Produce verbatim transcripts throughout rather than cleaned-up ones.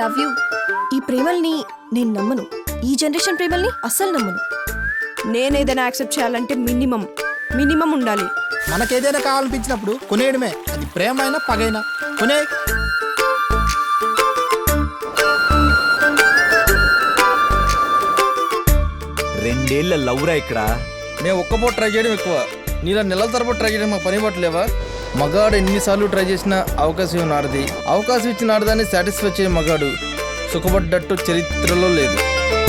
Love you. ఈ ప్రేమల్ని నేను నమ్మను. ఈ జనరేషన్ ప్రేమల్ని అస్సలు నమ్మను. నేనేదైనా యాక్సెప్ట్ చేయాలంటే మినిమం మినిమం ఉండాలి. మనకేదైనా కావాలనిపించినప్పుడు కొనేయడమే. అది ప్రేమ అయినా పగైనా కొనే. రెండేళ్ల లవ్రా ఇక్కడ. మేము ఒక్క పూట ట్రై చేయడం ఎక్కువ, నీలా నెలల తరబడి ట్రై చేయడం మాకు పని పట్టలేవా? మగాడు ఎన్నిసార్లు ట్రై చేసినా అవకాశం నాడది. అవకాశం ఇచ్చిన ఆడదాన్ని సాటిస్ఫై చేయ మగాడు సుఖపడ్డట్టు చరిత్రలో లేదు.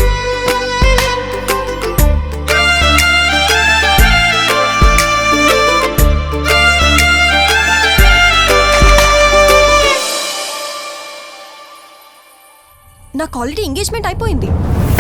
నాకు ఆల్రెడీ ఎంగేజ్మెంట్ అయిపోయింది.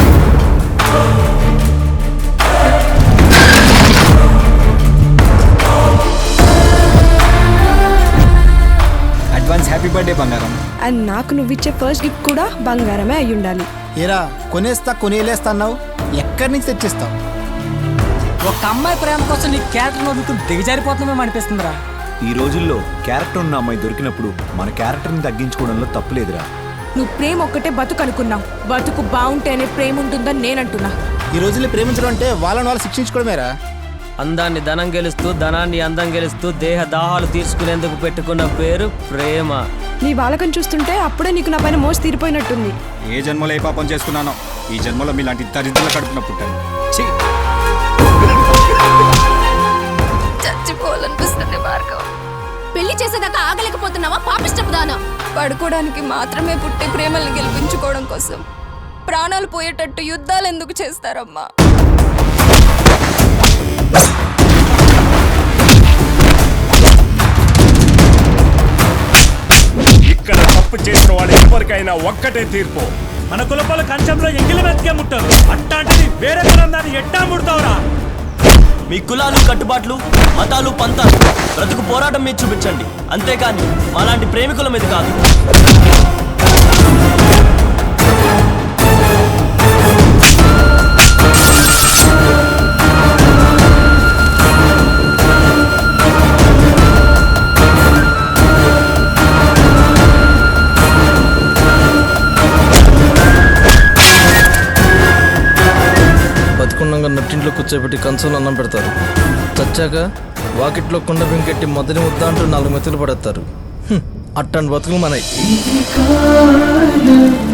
అడ్వాన్స్ హ్యాపీ బర్త్డే బంగారం. అండ్ నాకు నువ్వు ఇచ్చే ఫస్ట్ గిఫ్ట్ కూడా బంగారమే అయి ఉండాలి. ఏరా కొనేస్తా కొనేలేస్తా అన్నావు, ఎక్కడి నుంచి తెచ్చిస్తావు? ఒక అమ్మాయి ప్రేమ కోసం నీ క్యారెక్టర్ వదులుకుని దిగజారిపోతున్నామేమో అనిపిస్తుందిరా. ఈ రోజుల్లో క్యారెక్టర్ ఉన్న అమ్మాయి దొరికినప్పుడు మన క్యారెక్టర్ని తగ్గించుకోవడంలో తప్పులేదురా. నువ్వు ప్రేమ ఒక్కటే బతుకు అనుకున్నావు. బతుకు బాగుంటేనే ప్రేమ ఉంటుందని నేనంటున్నా. ఈ రోజుల్లో ప్రేమించడం అంటే వాళ్ళని వాళ్ళు శిక్షించుకోవడమేరా. అందాన్ని ధనం గెలుస్తూ ధనాన్ని అందం గెలుస్తూ దేహ దాహాలు తీర్చుకునేందుకు పెట్టుకున్న పేరు ప్రేమ. నీ బాలకం చూస్తుంటే అప్పుడే నీకు నా పైన మోసి తీరిపోయినట్టుంది. ఏ జన్మలో ఏ పాపం చేసుకున్నానో ఈ జన్మలో మీలాంటి దరిద్రుల కడుపున పుట్టాను. చచ్చిపోవాలనిపిస్తుంది భార్గవ్. పెళ్లి చేసేదాకా ఆగలేకపోతున్నావా పాపిష్టపు దానా? పడుకోవడానికి మాత్రమే పుట్టే ప్రేమల్ని గెలిపించుకోవడం కోసం ప్రాణాలు పోయేటట్టు యుద్ధాలు ఎందుకు చేస్తారమ్మా? ఇక్కడ తప్పు చేసిన వాడు ఎవరికైనా ఒక్కటే తీర్పు. మన కులపాల కంచంలో ఎంగిలి మెతికే ముట్టారు, అట్టాంటిది వేరే కులం దాన్ని ఎట్టా ముడతావురా? మీ కులాలు కట్టుబాట్లు మతాలు పంతాలు బ్రతుకు పోరాటం మీద చూపించండి, అంతేకాని అలాంటి ప్రేమికుల మీద కాదు. బతుకున్నాక నట్టింట్లో కూర్చోబెట్టి కంచంలో అన్నం పెడతారు. చచ్చాక వాకిట్లో కుండ పెంకెట్టి మొదటి ముద్ద అంటూ నాలుగు మెతులు పడేస్తారు. అట్టండి బతుకులు మనయి.